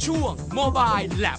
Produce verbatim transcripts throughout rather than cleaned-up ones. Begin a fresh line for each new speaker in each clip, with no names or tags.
ช่วง Mobile Lab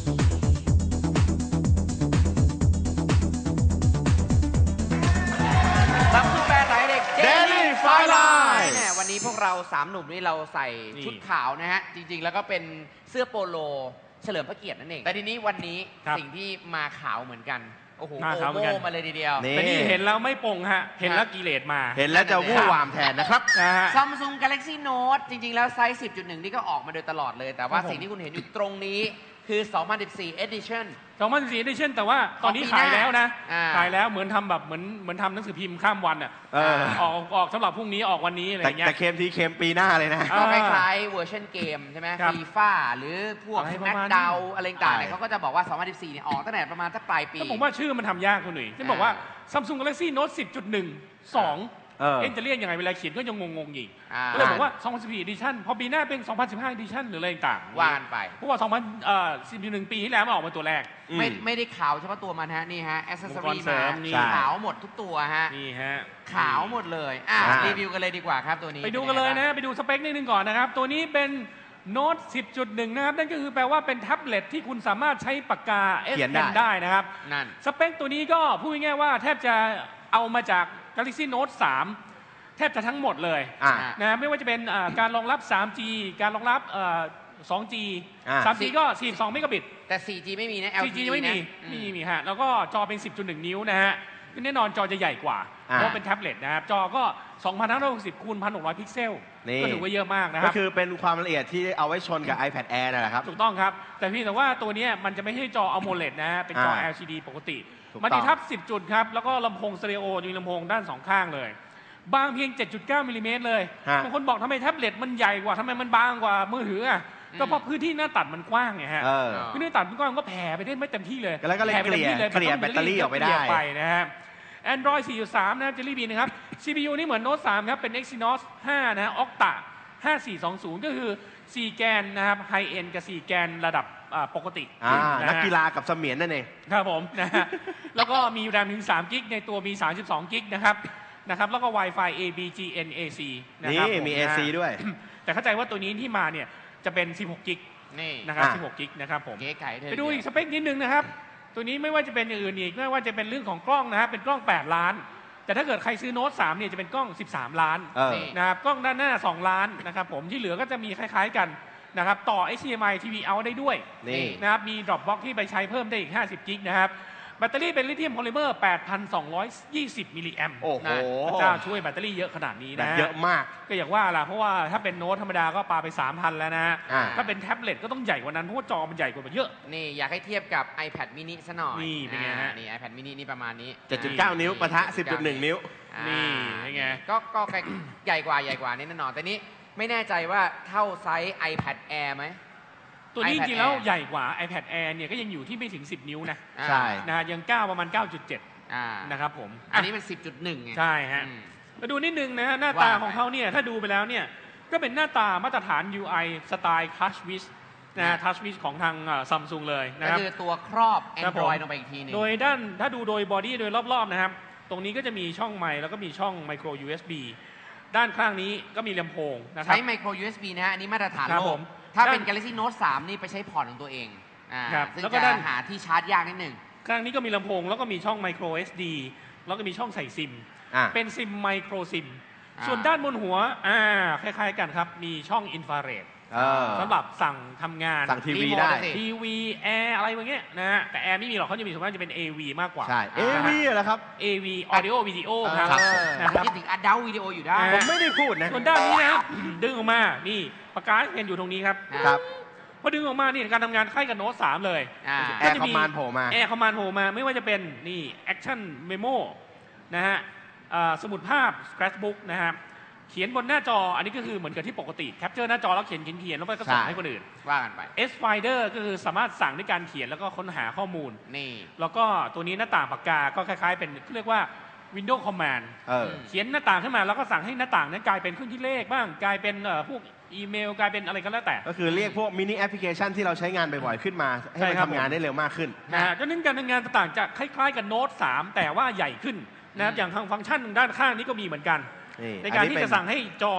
ซัมซุงแบรนด์ไหนเด็ก
Daily Fireline
เนี่ยวันนี้พวกเราสามหนุ่มนี่เราใส่ชุดขาวนะฮะจริงๆแล้วก็เป็นเสื้อโปโลเฉลิมพระเกียรตินั่นเองแต่ทีนี้วันนี้สิ่งที่มาขาวเหมือนกันโอ้โห
มา
โอ
ขาวเหมือน
โม
กัน
มาเลยทีเดียว
นี่
แต่นี่เห็นแล้วไม่ปงฮะ เห็นแล้วกิเลสมา
เห็นแล้วจะวู่วามแทนนะครับ
นะฮะ
ซัมซุง Galaxy Note จริงๆ แล้วไซส์ สิบจุดหนึ่ง นี่ก็ออกมาโดยตลอดเลย แต่ว่า
ครับผม
สิ่งที่คุณเห็นอยู่ตรงนี้คือ สองพันสิบสี่ Edition
สองพันสิบสี่ Edition แต่ว่าตอนนี้
ของปีหน้า
ขายแล้วนะ
อ่า
ขายแล้วเหมือนทำแบบเหมือนเหมือนทำหนังสือพิมพ์ข้ามวันอ่ะ
เออ
ออกออกสำหรับพรุ่งนี้ออกวันนี้อะไรอ
แต่
ย่างเงี้ย
แต่เคมทีเคมปีหน้าเลยนะ
อ่า
ก็คล้ายๆเวอร์ชันเกมใช่ไหม
ครับ
ฟีฟ่าหรือพวก
อะไรประ
แม็ก
มาณ
ดาว
นี้
อะไรต่างๆเนี่ย
ใช่
เขาก็จะบอกว่า สองพันสิบสี่ เนี่ยออกตั้งแต่ประมาณสักปลายปี
แต่ผมว่าชื่อมันทำยากคุณหนุ่ยที่บอกว่า Samsung Galaxy Note สิบจุดหนึ่ง สอง
เออ
เอ็นจะเรียกยังไงเวลาเขียนก็ยังงงๆอีก
อ่า
ก็เลยบอกว่า สองพันสิบสี่ Edition พอปีหน้าเป็น สองพันสิบห้า Edition หรืออะไรต่างๆ
ว่ากันไป
เพราะว่า สองพันสิบหนึ่ง ปีที่แล้วมันออกมาตัวแรก
ไม่
อืม
ไม่ได้ขาวเฉพาะตัวมันฮะนี่ฮะอ c เซสซอ
อุปกร
รี่
ณ์เสริ
มาม
นี่
ขาวหมดทุกตัวฮะ
นี่ฮะ
ขาวหมดเลยอ่ะ
อ่า
รีวิวกันเลยดีกว่าครับตัวนี้
ไปดูกันเลยนะ ไปดูสเปคนิดนึงก่อนนะครับ ตัวนี้เป็น Note สิบจุดหนึ่ง นะครับ นั่นก็คือแปลว่าเป็นแท็บเล็ตที่คุณสามารถใช้ปากกา S
เขียนได้
Pen ได้นะครับ
นั่น
สเปคตัวนี้ก็พูดง่ายๆว่าแทบจะเอามาจาก Galaxy Note สาม แทบจะทั้งหมดเลย
อ่า
นะไม่ว่าจะเป็นอ่าการรองรับ สาม จี การรองรับเอ่อ สอง จี
อ่า
สาม จี ก็ สี่สิบสอง เมกะบิต
แต่ โฟร์ จี ไม่มีนะ
สี่ จี
แอล ที
ยังไม่มี
นะอื
ไม่มีมีฮะ แล้วก็จอเป็น สิบจุดหนึ่ง นิ้วนะฮะแน่นอนจอจะใหญ่กว่า
อ่า
เพราะเป็นแท็บเล็ตนะครับ จอก็ สองพันห้าร้อยหกสิบ คูณ หนึ่งพันหกร้อย พิกเซล
นี่
ก็ถือว่าเยอะมากนะค
ก็
รับ
คือเป็นความละเอียดที่เอาไว้ชนกับ iPad Air นั่นแหละครับ
ถูกต้องครับ แต่เพี่แต่ว่าตัวเนี้ยมันจะไม่ใช่จอ AMOLED นะฮะ เป็นจอ
อ่า
แอล ซี ดี ปกติ
ถูกต้อง
มันติดทับ สิบ จุดครับ แล้วก็ลำโพงสเตอริโอมีลำโพงด้านสองข้างเลย บางเพียง เจ็ดจุดเก้า มิลลิเมตรเลย
ฮะ
บางคนบอกทำไมแท็บเล็ตมันใหญ่กว่าทำไมมันบางกว่ามือถืออ่ะ ก็เพราะพื้นที่หน้าตัดมันกว้างไงฮะ
เออ
พื้นที่หน้าตัดมันกว้างมันก็แผ่ไปได้ไม่เต็มที่เลย
แล้วก็เลย
แผ่ไปต็มที่
เกลี่ย
มันต้อง
เกลี่ยแบตเตอรี่ออกไปได้
เกลี่ยไปนะฮะ Android สี่จุดสาม นะครับ Jelly Bean นะครับ ซี พี ยู นี่เหมือน Note สามครับ เป็น Exynos ห้า นะฮะ Octa ห้าสี่สองศูนย์ ก็คือ สี่ แกนนะครับ High End กับ สี่ แกนระดับอ่าปกติ
อ่า
ะฮะ
นักกีฬากับเสมียนนั่นเอง
ครับผมนะฮะ แล้วก็มี RAM ถึง สาม กิก ในตัวมี สามสิบสอง กิกนะครับ นะครับ แล้วก็ Wi-Fi A B G N A C นะ
นี่
ครับผ
มี
นะ
เอ ซี ด้วย
แต่เข้าใจว่าตัวนี้ที่มาเนี่ยจะเป็น สิบหก กิก
นี่
นะครับ
อ่า
สิบหก กิกนะครับผม
เก๋ไก่เธอ
ไปดูอีกสเปคนิดนึงนะครับ ตัวนี้ไม่ว่าจะเป็นอย่างอื่นอีก ไม่ว่าจะเป็นเรื่องของกล้องนะฮะเป็นกล้อง แปด ล้าน แต่ถ้าเกิดใครซื้อโน้ตสามเนี่ยจะเป็นกล้อง สิบสาม ล้าน
เออ
นะครับ กล้องด้านหน้า สอง ล้านนะครับผม ที่เหลือก็จะมีคล้ายๆกันนะครับ ต่อ เอช ดี เอ็ม ไอ ที วี Out ได้ด้วย
นี่
นะครับ มี Dropbox ที่ไปใช้เพิ่มได้อีก ห้าสิบ กิกนะครับ แบตเตอรี่เป็นลิเธียมโพลิเมอร์ แปดพันสองร้อยยี่สิบ มิลลิแอมป์
โอ้โห
พระเจ้าช่วยแบตเตอรี่เยอะขนาดนี้
แบ
นะ
บ
ฮะ
เยอะมาก
ก็อย่างว่าล่ะ เพราะว่าถ้าเป็นโน้ตธรรมดาก็ปาไป สามพัน แล้วนะฮะ
อ่า
ถ้าเป็นแท็บเล็ตก็ต้องใหญ่กว่านั้น เพราะว่าจอมันใหญ่กว่ามันเยอะ
นี่อยากให้เทียบกับ iPad mini ซะหน่อย
นี่เป็นไงฮะ
อ่านี่ iPad mini นี่ประมาณนี้
เจ็ดจุดเก้า นิ้วปะทะ สิบจุดหนึ่ง นิ้ว
อ่า
นี่เป็นไง
ก็ก็ใกล้ใหญ่กว่าใหญ่กว่านี่แน่นอน แต่นี้ไม่แน่ใจว่าเท่าไซส์ iPad Air ไหม
ตัวนี้จ
iPad
ริงๆแล้ว
Air
ใหญ่กว่า iPad Air เนี่ยก็ยังอยู่ที่ไม่ถึง สิบ นิ้วนะ
อ่า
ใช่
นะฮะยังก้าวประมาณ เก้าจุดเจ็ด
อ่า
นะครับผม
อันนี้เป็น สิบจุดหนึ่ง ไง
ใช่ฮะ
อืม
มาดูนิดนึงนะฮะหน้าตา
ว่า
ของเขาเนี่ยถ้าดูไปแล้วเนี่ยก็เป็นหน้าตามาตรฐาน ยู ไอ สไตล์ Touch Wiz นะฮะ Touch Wiz ของทางซัมซุงเลยนะ
ก็
ครับ
คือตัวครอบ
ครับผม
Android ลงไปอีกทีหนึง
โดยด้านถ้าดูโดยบอดี้โดยรอบๆนะครับ ตรงนี้ก็จะมีช่องไมค์แล้วก็มีช่องไมโคร ยู เอส บี ด้านข้างนี้ก็มีลำโพงนะครับ
ใช้ไมโคร ยู เอส บี นะฮะ อันนี้มาตรฐาน
ครับ
โล
ผ
ก
ม
ถ้าเป็น
ด้าน
Galaxy Note สาม นี่ไปใช้พอร์ตของตัวเองอ่า
ครับ
ซึ่ง
แล้วก็
จะ
ด้าน
หาที่ชาร์จยากนิดหนึ่ง
ข้างนี้ก็มีลำโพงแล้วก็มีช่องไมโคร เอส ดี แล้วก็มีช่องใส่ซิม
อ่ะ
เป็นซิมไมโครซิม
อ่า
ส่วนด้านบนหัวอ่าคล้ายๆกันครับ มีช่องอินฟราเรด
เออ
สำหรับสั่งทำงาน
สั่งทีวี
รีโมท
ได้
สิ
ทีวีแอร์อะไรแบบเงี้ยนะฮะแต่แอร์ไม่มีหรอกเขาจะมีส่วนมากจะเป็น เอ วี มากกว่า
ใช่ เอ
นะฮะ
วีเหรอครับ
เอ วี Audio Video ครับ
ครับ
นะครับ
คิดถึง Adult Video อยู่ได้
อ่า
ผมไม่ได้พูดนะ
ส่วนด้านนี้นะ ดึงออกมานี่ปากกาเพนอยู่ตรงนี้ครับ
ครับ
พอดึงออกมานี่การทำงานคล้ายกับโน้ตสามเลย
อ่า
แอร์คอมมานด์โผล่มา
แอร์คอมมานด์โผล่มาไม่ว่าจะเป็นนี่ Action Memo นะฮะอ่าสมุดภาพ Scratchbook นะฮะเขียนบนหน้าจออันนี้ก็คือเหมือนกับที่ปกติแคปเจอร์หน้าจอแล้วเขียนเขียนเขียนแล้วไปก็ส่ง
ใช่
ให้คนอื่น
ว่ากันไป
S Finder ก็คือสามารถสั่งด้วยการเขียนแล้วก็ค้นหาข้อมูล
นี่
แล้วก็ตัวนี้หน้าต่างปากกาก็คล้ายๆเป็นเรียกว่า Windows Command
เออ
เขียนหน้าต่างขึ้นมาแล้วก็สั่งให้หน้าต่างนั้นกลายเป็นเครื่องคิดเลขบ้างกลายเป็นเอ่อพวกอีเมลกลายเป็นอะไรก็แล้วแต่
ก็คือเรียกพวกมินิแอปพลิเคชันที่เราใช้งานบ่อยๆขึ้นมา ให้
ใช่
มัน
ครับ
ทำงานได้เร็วมากขึ้น
นะฮะดังนั้นการทำงานต่างๆจะคล้ายๆกับโน้ตสามแต่ว่าใหญ่ขึ้นนะครับอย่างทางฟังก์ชันด้านข้างนี้ก็มีเหมือนกัน
นี่
ในการ
อั
ที่
เป็
จะสั่งให้จอเนี่ย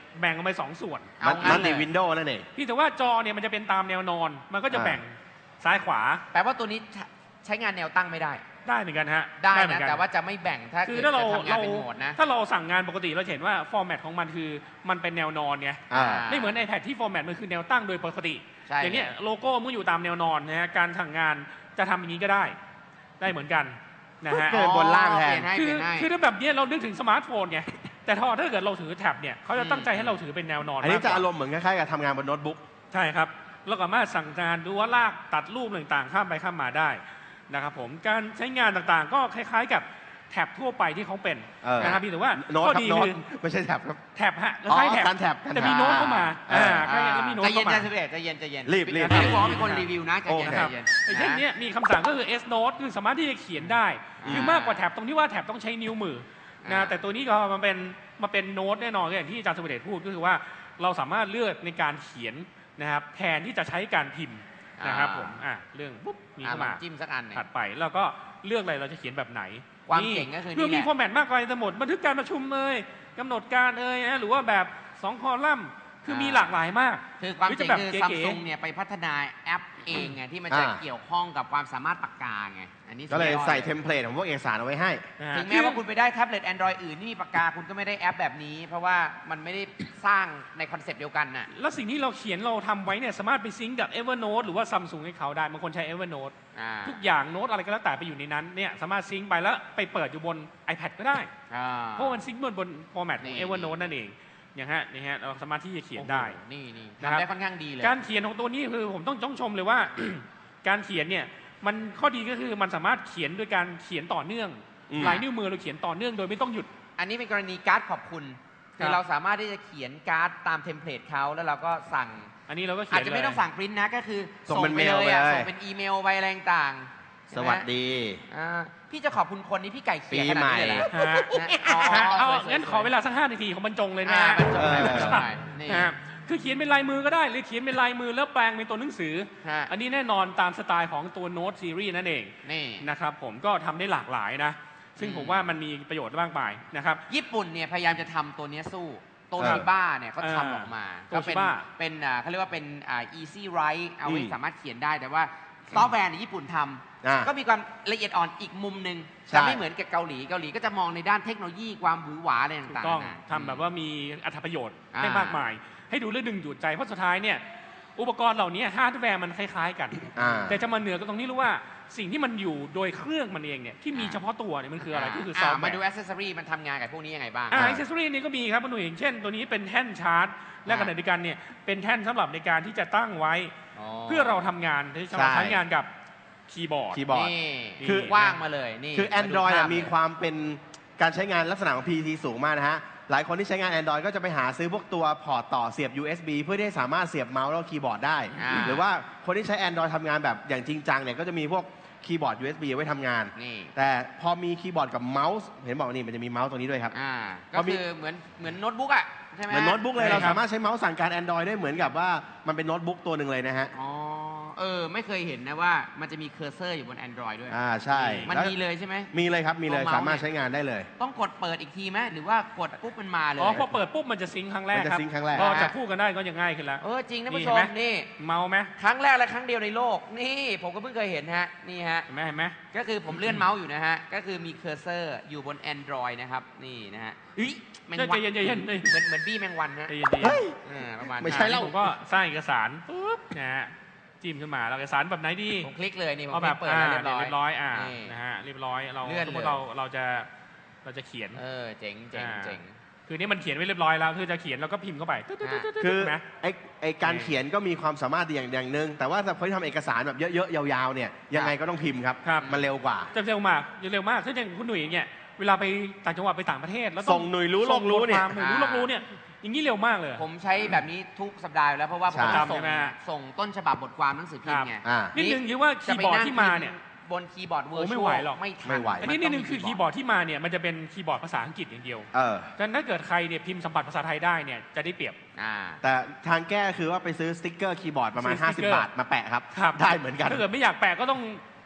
แบ่งออกไปสองส่วน
เอางั้
มัน
น
ติ
เลย
วินโดว์นั่นเอง
พี่แต่ว่าจอเนี่ยมันจะเป็นตามแนวนอน มันก็จะ
อ่า
แบ่งซ้ายขวา
แปลว่าตัวนี้ใช้งานแนวตั้งไม่ได้
ได้เหมือนกันฮะ
ได้
เหมือ
นะ
นกัน
แต่ว่าจะไม่แบ่งถ้า
คื
เกิ
อ
ด
ถ้าเรา
จะทำงาน
เรา
เป็นโหมดนะ
ถ้าเราสั่งงานปกติเราจะเห็นว่าฟอร์แมตของมันคือมันเป็นแนวนอนไง
อ่า
ไม่เหมือน iPad ที่ฟอร์แมตมันคือแนวตั้งโดยปกติ
ใช่
อย่างเนี้ยโลโก้มันอยู่ตามแนวนอนนะฮะการสั่งงานจะทำอย่างนี้ก็ได้ ได้เหมือนกันนะฮะ
เกิดบนล่างแทน
เปลี่ยนให้
คื
เป
อ
ลี่ยนให้
คือถ้าแบบเนี้ยเรานึกถึงสมาร์ทโฟนไงแต่ถ้าถ้าเกิดเราถือแท็บเนี่ยเขาจะตั้งใจให้เราถือเป็นแนวนอน
อันนี้
มากก
จะ
ว่า
อารมณ์เหมือนคล้ายๆกับทำงานบนโน้ตบุ๊ก
ใช่ครับเราสามารถสั่งงานดูว่าลากตัดรูปต่างๆ ข้ามไปข้ามมาได้นะครับผมการใช้งานต่างๆ ก็คล้ายๆกับแท็บทั่วไปที่เขาเป็น
เออ
นะครับพี่แต่ว่า
โน้ต
ข้อ
ครับ
ดี
โน้ต
คือ
ไม่ใช่แท็บครับ
แท็บฮะ
อ๋อ
คล้ายแท็บ
การแท็บการแท็บ
แต่มีโน้ตเข้ามา
เออ
อ่าคล้ายๆแล้วมีโน้ต
ใจเย็
เข้าน มา
ใจเย็นใจเย็นใจเย็น
รีบรีบ
ไม่ได้บอกว่าเป็นคนรีวิวนะใจเย็น
โอเค
ใจ
ครับ
เย็น
ไอ้เช่นเนี้ยมีคำสั่งก็คือ S Note คือสามารถที่จะเขียนได้
อ่า
คือมากกว่าแท็บตรงที่ว่าแท็บต้องใช้นิ้วมือนะ
อ่า
แต่ตัวนี้ก็มันเป็นมาเป็นโน้ตแน่นอนอย่างที่อาจารย์สุเดชพูดก็คือว่าเราสามารถเลือกในการเขียนนะครับแทนที่จะใช้การพิมพ์นะครับผมอ่ะเรื่องปุ๊บมี
อ่ะ
เข้า
ลอ
มา
งจิ้มสักอันหนึ่ง
ถัดไปแล้วก็เลือกอะไรเราจะเขียนแบบไหน
ความเจ๋งก็คือนี่
เพื่อมี
แหละ
ฟอร์แมตมากกว่าจะหมดบันทึกการประชุมเลยกำหนดการเอ่ยนะหรือว่าแบบสองคอลัมน์คือมีหลากหลายมาก
คือความ
หรือ
เจ๋
จะ
ง
แบบ
คือ
เก๋ๆ
ซัมซุงเนี่ยไปพัฒนาแอปเองไงที่มันจะ
อ่า
เกี่ยวข้องกับความสามารถปากกาไงอันนี้
ก็เลย
สุดอด
ใส่เทมเพลตของพวกเอกสารเอาไว้ให้
นะฮะ
ถึงแม้ว่าคุณไปได้แท็บเล็ต Android อื่นที่มีปากกาคุณก็ไม่ได้แอปแบบนี้ เพราะว่ามันไม่ได้สร้างในคอนเซปต์เดียวกันน่ะ
แล้วสิ่งที่เราเขียนเราทำไว้เนี่ยสามารถไปซิงก์กับ Evernote หรือว่า Samsung ให้เขาได้บางคนใช้ Evernote
อ่า
ทุกอย่างโน้ตอะไรก็แล้วแต่ไปอยู่ในนั้นเนี่ยสามารถซิงก์ไปแล้วไปเปิดอยู่บน iPad ก็ได้
อ่า
เพราะมันซิงก์บนบนฟอร์แมตของ
นี่
Evernote นั่นเองอย่างฮะนี่ฮะเราสามารถที่จะเขียนได้
โอ้โหนี่นี่
นะครับ
ทำได้ค่อนข้างดีเลย
การเขียนของตัวนี้คือผมต้องต้องชมเลยว่า การเขียนเนี่ยมันข้อดีก็คือมันสามารถเขียนโดยการเขียนต่อเนื่อง
อืม
ลายนิ้วมือเราเขียนต่อเนื่องโดยไม่ต้องหยุด
อันนี้เป็นกรณีการ์ดขอบคุณ
ครั
คื
บ
อเราสามารถที่จะเขียนการ์ดตามเทมเพลตเขาแล้วเราก็สั่ง
อันนี้เราก็เขี
อาจ
ยน
จะไม่
เลย
ต้องสั่งปริ้นนะก็คือ
ส่งเป็น
ไป
เมล
เลยอะ
ไปเลย
ส่งเป็นอีเมลไปอะไรต่างๆ
สวัสดี
อ่าพี่จะขอบคุณคนนี้พี่ไก่เขียน
ปี
ขนาด
ใหม่
นี้เลยเหรอ
ฮะ
นะอ๋อ
ฮะเอา
สวยๆ
งั้นขอเวลาสักห้านาทีของบรรจงเลยนะ
อ่า
ฮะ
บรรจงหน่อยบรรจง
เออ
หน่อยนี่
ฮะคือเขียนเป็นลายมือก็ได้หรือเขียนเป็นลายมือแล้วแปลงเป็นตัวหนังสือ
ฮะ
อันนี้แน่นอนตามสไตล์ของตัวโน้ตซีรีส์นั่นเอง
นี่
นะครับผมก็ทำได้หลากหลายนะ ซึ่ง
อืม
ผมว่ามันมีประโยชน์มากมายนะครับ
ญี่ปุ่นเนี่ยพยายามจะทำตัวเนี้ยสู้โต
เออ
ชิบ้าเนี่ยเขา
เออ
ทำออกมา
โต
ก็
ชิ
เป็น
บ้า
เป็นอ่าเขาเรียกว่าเป็นอ่า easy write เอาไว้
อืม
สามารถเขียนได้แต่ว่าซอฟต์แวร์ในญี่ปุ่นท
อ่า
ำก็มีความละเอียดอ่อนอีกมุมหนึ่ง
ใช่
จะไม่เหมือนกับเกาหลีเกาหลีก็จะมองในด้านเทคโนโลยีความหวือหวาอะไร
ถูก
ต่าง
ต้อง
ๆนะ
ทำแบบว่ามีอัตประโยชน์
อ่า
ได้มากมาย ให้ดูเรื่องดึงดูดใจเพราะสุดท้ายเนี่ยอุปกรณ์เหล่านี้ฮาร์ดแวร์มันคล้ายๆกัน
อ่า
แต่จะมาเหนือก็ตรงนี้รู้ว่าสิ่งที่มันอยู่โดยเครื่องมันเองเนี่ยที่มีเฉพาะตัวเนี่ยมันคืออะไรก็คือซอฟต์แว
มา
ร์
ดูอ c เซสซอรีมันทำงานกับพวกนี้ยังไงบ้าง
อ่า
อ่า
อิเซสซอรี่นี้ก็มีครับคุณหนุ่ยอย่างเช่น ตัวนี้เป็นแท่นชาร์จ และขณะเดียวกันเนี่ยเป็นแท่นสำหรับในการที่จะตั้งไว้ เพื่อเราทำงานที่จะมา
ใช่
ใช้งานกับคีย์บอร์ด
คีย์บอร์ด
นี่
คือ
ว่างมาเลยนี่
คือ
มาดู
Android อะ
ภาพ
มี
เลย
ความเป็นการใช้งานลักษณะของ พี ซี สูงมากนะฮะ หลายคนที่ใช้งาน Android ก็จะไปหาซื้อพวกตัวพอร์ตต่อเสียบ ยู เอส บี เพื่อที่ให้สามารถเสียบเมาส์แล้วคีย์บอร์ดได้
อ่า
หรือว่าคนที่ใช้ Android ทำงานแบบอย่างจริงจังเนี่ยก็จะมีพวกคีย์บอร์ด ยู เอส บี ไว้ทำงาน
นี่
แต่พอมีคีย์บอร์ดกับเมาส์ เห็นบอกนี่มันจะมีเมาส์ตรงนี้ด้วยครับ
อ่า
พ
ก็
อมี
คือเหมือนเหมือนโน้ตบุ๊กอ่ะใช่ไหม
เหมือนโน้ตบุ๊กเลย
ใช่
เรา
ครับ
สามารถใช้เมาส์สั่งการ Android ได้เหมือนกับว่ามันเป็นโน้ตบุ๊กตัวหนึ่งเลยนะฮะ
อ๋อเออไม่เคยเห็นนะว่ามันจะมีเคอร์เซอร์อยู่บน Android ด้วย
อ่าใช่
มัน
แล้ว
มีเลยใช่ไหม
มีเลยครับมีเลย
ตัวเมาส์
สามารถใช้งานได้เลย
ต้องกดเปิดอีกทีไหมหรือว่ากดปุ๊บมันมาเลย
อ๋อพอเปิดปุ๊บมันจะซิงค์ครั้งแรก
มันจะ
ครับ
ซิงค์ครั้งแรก
พอจะพูดกันได้ก็จะง่ายขึ้นแล้ว
เออจริงนะ
นี่
ผู้ชม
เห็นไหม
นี่
เมาไหม
ครั้งแรกและครั้งเดียวในโลก นี่ผมก็เพิ่งเคยเห็นฮะนี่ฮะ
เห็นไหมเห็นไหม
ก็คือผมเลื่อนเมาส์อยู่นะฮะ ก็คือมีเคอร์เซอร์อยู่บน Android นะครับ นี่นะฮะเฮ้ยแมง
ใจ
วัน
เย็นใจเย็น
เหมือนเหมือนบี้แมงวันฮะ
ใจเย็นใจเย็น
เฮ้ย
อ่าประมาณ
ไม่ใช่
นั้น
แล้ว
ผมก็สร้างเอกสารปุ๊บนะฮะจิ้มขึ้นมาแล้วเอกสารแบบไหนดี
ผมคลิกเลยนี่ผม
เอาแบบ
เปิดแล้วเรียบร้อย
เรียบร้อยอ่า
นี่
นะฮะเรียบร้อยเรา
เลื่อน
สมมติ
เลย
เราเราจะเราจะเขียน
เออเจ๋งเจ๋ง
อ่า
เจ๋ง
คือนี่มันเขียนไว้เรียบร้อยแล้วคือจะเขียนแล้วก็พิมพ์เข้าไปตึ๊ดตึ๊ดตึ๊ดตึ๊ดตึ๊ด
คือ
ใช่ไหม
ไอไอการเขียนก็มีความสามารถดีอย่างอย่างหนึ่งแต่ว่าสำหรับคนที่ทำเอกสารแบบเยอะๆยาวๆเนี่ยยังไงก็ต้องพิมพ์ครับ
ครับ
มันเร็วกว่า
จะเร็วมากจะเร็วมากถ้าอย่างคุณหนุ่ยเนี่ยเวลาไปต่างจังหวัดไปต่างประเทศแล้วต้อง
ส่งหน่วยรู้โลกรู้เนี่ย
ส่งบทความหน่วยรู้โลกรู้เนี่ยอย่างนี้เร็วมากเลย
ผมใช้แบบนี้ทุกสัปดาห์อยู่แล้วเพราะว่าผม
ใช่
จะ
ใช่
ส่ง
ไหม
ส่งต้นฉบับบทความหนังสือพิมพ์ไง
อ่า
นิดนึงคือว่าคีย์บอร์ดที่มาเนี่ย
บนคีย์บอร์ดเวอร์
โอ้
ช
ไม่
ว
ไหว
ล
หรอก
ไม่ทัน
ไม่ไหว
อันนี้นิดนึงคือคีย์บอร์ดที่มาเนี่ยมันจะเป็นคีย์บอร์ดภาษาอังกฤษอย่างเดียว
เออ
ดังนั้นถ้าเกิดใครเนี่ยพิมพ์สัมผัสภาษาไทยได้เนี่ยจะได้เปรียบ
อ่า
แต่ทางแก้คือว่าไปซื้อสติ๊กเกอร์คีย์บอร์ดประมาณ
ซื้อสติ๊กเกอร์
ห้าสิบบาทมาแปะครับ
ครับ
ได้เหมือนกัน
ถ้าเกิดไม่อยากแปะก็ต้อง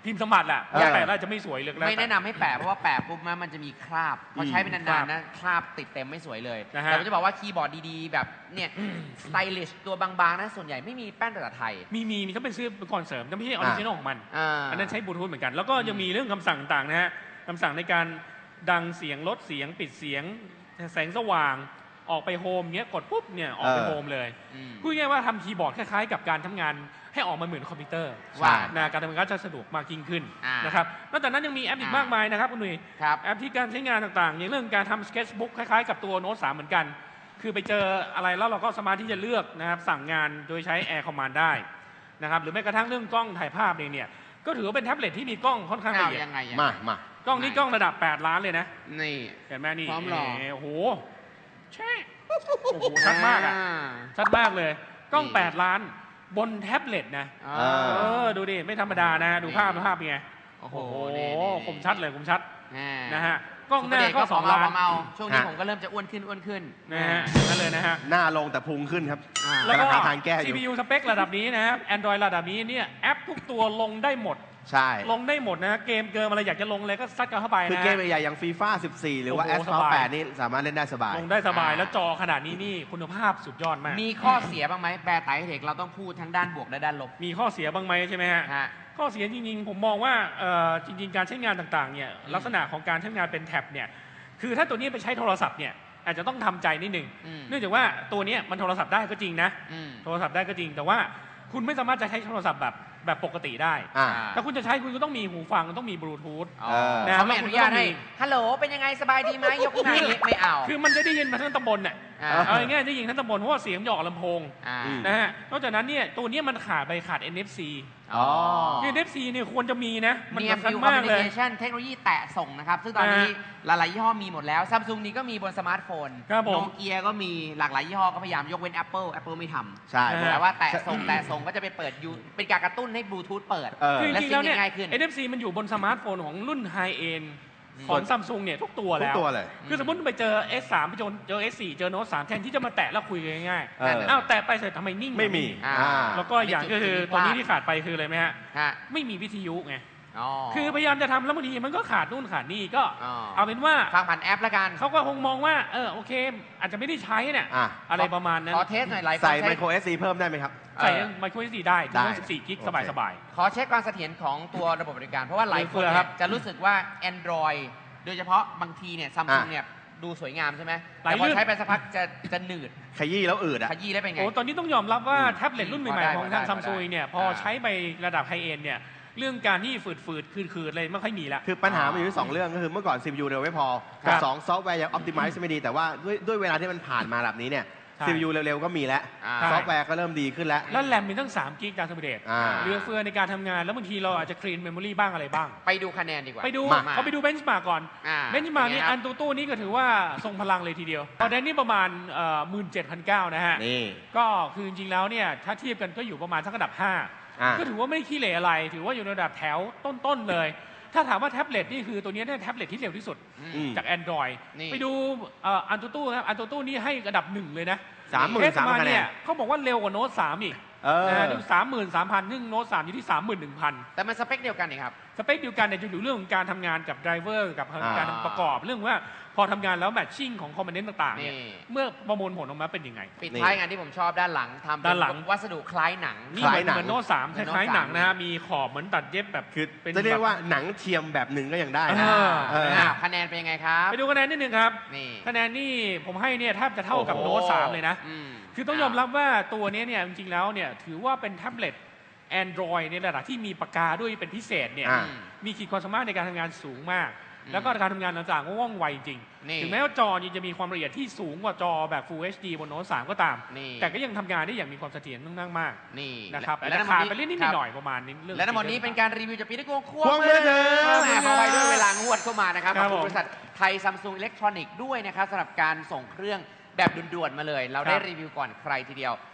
พิมพ์สมบัติแหละ
เออ
แปะแล้วจะไม่สวยเลยแล้ว
ไม่แนะนำให้แปะเพราะว่าแปะปุ๊บมันจะมีคราบพอใช้ไป
ครั
นาน
บ
ๆนะคราบติดเต็มไม่สวยเลย
นะฮะ
แต่ผมจะบอกว่าคีย์บอร์ดดีๆ แบบเนี่ยสไตลิชตัวบางๆนะส่วนใหญ่ไม่มีแป้นภาษาไทย
มีมีมีเขาเป็นซื้อเป็นก่อนเสริมแต่ไม่ใช่ออริจินอลของมัน
อ่า
อันนั้นใช้บลูทูธเหมือนกัน แล้วก็ยังมีเรื่องคำสั่งต่างๆนะฮะคำสั่งในการดังเสียงลดเสียงปิดเสียงแสงสว่างออกไปโฮมเงี้ยกดปุ๊บเนี่ยออกไป
เออ
โฮมเลย
อืม
พูดง่ายๆว่าทำคีย์บอร์ดคล้ายๆกับการทำงานให้ออกมาเหมือนคอมพิวเตอร์
ว่า
นะการทำงานก็จะสะดวกมากยิ่งขึ้น
อ่าน
นะครับนอกจากนั้นยังมีแอปอีกมากมายนะครับคุณหนุ่ย
ครับ
แอปที่การใช้งานต่างๆ อย่างเรื่องการทำสเก็ตบุ๊กคล้ายๆกับตัวโน้ตสามเหมือนกัน คือไปเจออะไรแล้วเราก็สามารถที่จะเลือกนะครับสั่งงานโดยใช้ Air Command ได้นะครับหรือแม้กระทั่งเรื่องกล้องถ่ายภาพเองเนี่ยก็ถือว่าเป็นแท็บเล็ตที่มีกล้องค่อนข้างละ
อ้าว
เอียด
ยังไงยังไง
มา มา
กล้องนี้กล้องระดับแปดล้านเลยนะ
นี่
เห็นไหมนี่
พร้อมหรอ
โอ้โหใช่โอ้โหชัดมากอ่ะชัดมากเลย กล้อง
นี่
แปดล้านบนแท็บเล็ตนะ
อ่า
เอ
เออดูดิไม่ธรรมดานะดูภาพ
นี่
ภาพเป็นไง
โอ้โห
โอ้โห
นี่นี่
คมชัดเลยคมชัด
อ่า
นะฮะกล้องหน้า
ซุปเป
ก็
ร์เดย์
สอง
เรา
ล้าน
เมาๆช่วงนี้
ฮะ
ผมก็เริ่มจะอ้วนขึ้นอ้วนขึ้น
นะฮะนั่นเลยนะฮะ
หน้าลงแต่พุงขึ้นครับ
อ่า
แล้วก็
กำลังหาทางแก้อยู่
ซี พี ยู สเปคระดับนี้นะครับ Android ระดับนี้เนี่ยแอปทุกตัวลงได้หมด
ใช่
ลงได้หมดนะเกมเกิมอะไรอยากจะลงอะไรก็ซัดกันเข้าไป
คือ
นะ
เกมใหญ่ๆอย่างฟีฟ่าสิบสี่ หรือว่า
โอ้
แอ
โห
ส พา
สบาย
แปดนี่สามารถเล่นได้สบาย
ลงได้สบาย
อ่า
แล้วจอขนาดนี้นี่คุณภาพสุดยอดมาก
มีข้อเสียบ้างไหมแปรไตรเทคเราต้องพูดทั้งด้านบวกและด้านลบ
มีข้อเสียบ้างไหมใช่ไหมฮะ
ฮะ
ข้อเสียจริงๆ ผมมองว่าเอ่อจริงๆ การใช้งานต่างๆเนี่ยลักษณะของการใช้งานเป็นแท็บเนี่ยคือถ้าตัวนี้ไปใช้โทรศัพท์เนี่ยอาจจะต้องทำใจนิดหนึ่ง
อืม
เนื่องจากว่าตัวเนี้ยมันโทรศัพท์ได้ก็จริงนะ
อืม
โทรศัพท์ได้ก็จริง แต่ว่าคุณไม่สามารถจะใช้โทรศัพท์แบบแบบปกติได้
อ่า
ถ้าคุณจะใช้คุณก็ต้องมีหูฟังต้องมีบลูทูธ
อ๋อ
เออ
นะ
เขาไม่อนุญาตให้
แล้วคุณก็ต้องมี
ฮัลโหล เป็นยังไงสบายดีไหมยกขึ้นมาอย่างนี้ไม่เอา
คือมันจะได้ยินมาทั้งตำบลน่ะ
อ่า
เอาง่ายๆได้ยินทั้งตำบลเพราะว่าเสียงหยออกลำโพง
อ่า
อืม
นะฮะนอกจากนั้นเนี่ยตัวเนี้ยมันขาดไปขาด เอ็น เอฟ ซี
อ๋อ
คือ เอ็น เอฟ ซี เนี่ยควรจะมีนะ มัน
มี
สำคัญ
View
มากเลย
Communication เทคโนโลยีแตะส่งนะครับ ซึ่งตอนนี้หลายๆยี่ห้อมีหมดแล้วซัมซุงนี้ก็มีบนสมาร์ทโฟน
ครับผม
โนเกียก็มีหลากหลายยี่ห้อก็พยายามยกเว้น Apple Apple ไม่ทำ
ใช่
อ่า
แต่ว่าแตะส่งแตะส่งก็จะไปเปิดยูเป็นการกระตุ้นให้บลูทูธเปิด
เออ
คือจริงๆแล้วเนี่ย
และซิงค์ง่ายขึ้น
เอ็น เอฟ ซี มันอยู่บนสมาร์ทโฟนของรุ่นไฮเอ็นของซัมซุงเนี่ยทุกตัว
ทุก
แล้ว
ตัวเลย
คือสมมติไปเจอ เอส สาม ไปเจอเจอ เอส สี่ เจอโน้ต สาม แทนที่จะมาแตะแล้วคุยกันง่าย
เออ
ๆอ้าวแตะไปเสร็จทำไมนิ่ง
ไม่มี
อ่า
อ่า
แล้วก็อย่างก็คือตัวนี้ที่ขาดไปคืออะไรไหมฮะ
ฮะ
ไม่มีวิทยุไง
อ๋อ
คือพยายามจะทำแล้วบางทีมันก็ขาดนู่นขาดนี่ก็
อ๋อ
เอาเป็นว่า
ฟังผ่านแอปละกัน
เขาก็คงมองว่าเออโอเค อาจจะไม่ได้ใช้เนี่ย
อ่ะ
อะไรประมาณนั้น
ขอเทสหน่อยหลายคน
ใส่
ใช้
ไมโครเอสซีเพิ่มได้ไหมครับ
ใส่
เออ
ไมโคร เอส ดี ได้ถึ
ได้
งสิบสี่กิก
โอเค
สบายสบาย
ขอเช็คความเสถียรของตัวระบบบริการ เพราะว่าหลายคน
เฟื่อครั
เนี่ย
บ
จะรู้สึกว่า Android โดยเฉพาะบางทีเนี่ยซัมซุง
อ่ะ
เนี่ยดูสวยงามใช่ไหม
หลาย
แต่พอ
เรื่อง
ใช้ไปสักพักจะจะหนืด
ขยี้แล้วอืดอ่ะ
ขยี้ได้เป็นไง
โอ้ตอนนี้ต้องยอมรับว่า
อืม
แท็บเล็ตรุ่นใหม่
พอได้
ๆของทาง
พอได้
ซัมซุงเนี่ยพอ
อ่า
ใช้ไประดับไฮเอ็นเนี่ยเรื่องการที่ฝืดๆคืดๆอะไรไม่ค่อยมีละ
คือปัญหามันอยู่ที่สองเรื่องก็คือเมื่อก่อน ซี พี ยู เร็วไม่พอ
ครั
กับบ สองซอฟต์แวร์ยังออ t ติ i z e ไม่ดี แต่ว่าด้วยด้วยเวลาที่มันผ่านมาแบบนี้เนี่ย
ใช่
ซี พี ยู เร็วๆก็มีแล้ว
อ่า
ซอฟต์แวร์ก็เริ่มดีขึ้นแล้ว
แล้วแรมมีตั้งสามกิกการสมเด็จ
อ่า
เหลือเฟือในการทำงานแล้วบางทีเราอาจจะคลีนเมมโมรีบ้างอะไรบ้าง
ไปดูคะแนนดีกว่า
ไปดู
มา
เขาไปดูเบนช์มาร์กก่อน
อ่า
เบนช์มาร์กนี่
เป็ไงค
อั
รับ
นตูตู้นี่ก็ถือว่าทรงพลังเลยทีเดียวตอนนี้นี่ประมาณหมื่นเจ็ดพันเก้านะฮะ
นี่
ก็คือจริงๆแล้วเนี่ยถ้าเทียบกันก็อยู่ประมาณสักระดับห้า
อ่า
ก็ถือว่าไม่ได้ขี้เหร่อะไร ถือว่าอยู่ในระดับแถวต้นๆเลย ถ้าถามว่าแท็บเล็ตนี่คือตัวนี้เนี่ยแท็บเล็ตที่เร็วที่สุด
อืม
จาก Android
นี่
ไปดูเอ่ออันตูตู้ครับอันตูตู้นี่ให้ระดับหนึ่งเลยนะ
สามหมื่น
เทส
สาม
มา
คะแน
เนี่
น
ยเขาบอกว่าเร็วกว่าโน้ตสามอีก
เออ
นะฮะดูสามหมื่นสามพันซึ่งโน้ตสามอยู่ที่สามหมื่นหนึ่งพัน
แต่มันสเปคเดียวกันนี่ครับ
สเปคเดียวกันเนี่ยจะอยู่เรื่องของการทำงานกับไดรเวอร์กับ
อ่า
การประกอบเรื่องว่าพอทำงานแล้วแมทชิ่งของคอมโพเนนต์ต่างๆเนี่ย
นี่
เมื่อประมวลผลออกมาเป็นยังไง
ปิด
นี่
ท้ายงานที่ผมชอบด้านหลังทำเป็
ด้านหลัง
วัสดุคล้ายหนัง
นี่
ค
เห
ล้ายหนัง
มือนโน้ตสามค
เหมือนโน้ต
ล้ายๆหนัง
สาม
นะฮะมีขอบเหมือนตัดเย็บแบบ
คือ
เป็น
จะเรียก
แบบ
ว่าหนังเทียมแบบหนึ่งก็ยังได้นะ
อ่า
เออ
อ้าวคะแนนเป็นยังไงครับ
ไปดูคะแนนนิดนึงครับ
นี่
คะแนนนี่ผมให้เนี่ยแทบจะเท่ากับ
โอ้โห
โน้ตสามเลยนะ
อืม
คือต้องยอมรับว่าตัวนี้เนี่ยจริงๆแล้วเนี่ยถือว่าเป็นแท็บเล็ต Android ในระดับที่มีปากกาด้วยเป็นพิเศษเนี่ย
อ่า
มีขีดความสามารถในการทำงานสูงมาก
อืม
แล้วก็การทำงานต่างๆก็ว่องไวจริง
นี่
ถึงแม้ว่าจอนี่จะมีความละเอียดที่สูงกว่าจอแบบ Full เอช ดี บนโน้ตสามก็ตาม
นี่
แต่ก็ยังทำงานได้อย่างมีความเสถียรค่อนข้างมาก
นี่
นะครับ
และ
แต่
ทั้งหม
ขาด
ด
ไปนิด
ครับ
ๆหน่อยๆประมาณนี้เรื่อง
และทั้งหมดนี้เป็นการรีวิวจากปีนิโก้ควง
ควงมือถือ
แหมพอไปด้วยเวลางวดเข้ามานะครับข
ครั
อบบ คุณ
ผม
บริษัทไทยซัมซุงอิเล็กทรอนิกส์ด้วยนะครับสำหรับการส่งเครื่องแบบด่วนๆมาเลย เราได้
ครับ
รีวิวก่อนใครทีเดียว